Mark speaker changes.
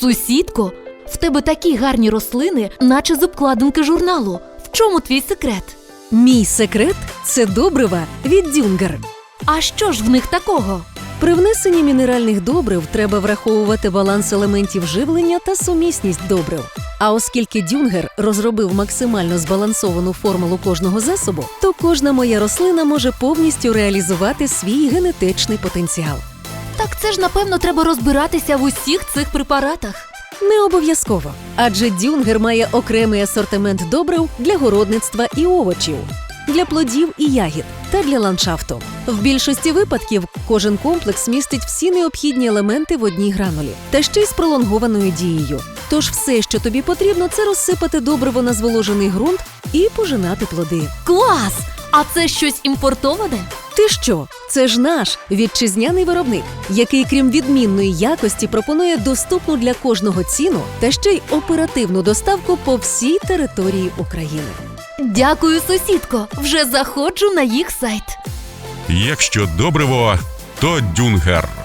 Speaker 1: Сусідко, в тебе такі гарні рослини, наче з обкладинки журналу. В чому твій секрет?
Speaker 2: Мій секрет – це добрива від Дюнгер.
Speaker 1: А що ж в них такого?
Speaker 2: При внесенні мінеральних добрив треба враховувати баланс елементів живлення та сумісність добрив. А оскільки Дюнгер розробив максимально збалансовану формулу кожного засобу, то кожна моя рослина може повністю реалізувати свій генетичний потенціал.
Speaker 1: Так це ж, напевно, треба розбиратися в усіх цих препаратах.
Speaker 2: Не обов'язково, адже Дюнгер має окремий асортимент добрив для городництва і овочів, для плодів і ягід та для ландшафту. В більшості випадків кожен комплекс містить всі необхідні елементи в одній гранулі, та ще й з пролонгованою дією. Тож все, що тобі потрібно, це розсипати добриво на зволожений ґрунт і пожинати плоди.
Speaker 1: Клас! А це щось імпортоване?
Speaker 2: Ти що? Це ж наш вітчизняний виробник, який, крім відмінної якості, пропонує доступну для кожного ціну та ще й оперативну доставку по всій території України.
Speaker 1: Дякую, сусідко. Вже заходжу на їх сайт.
Speaker 3: Якщо добриво, то Дюнгер.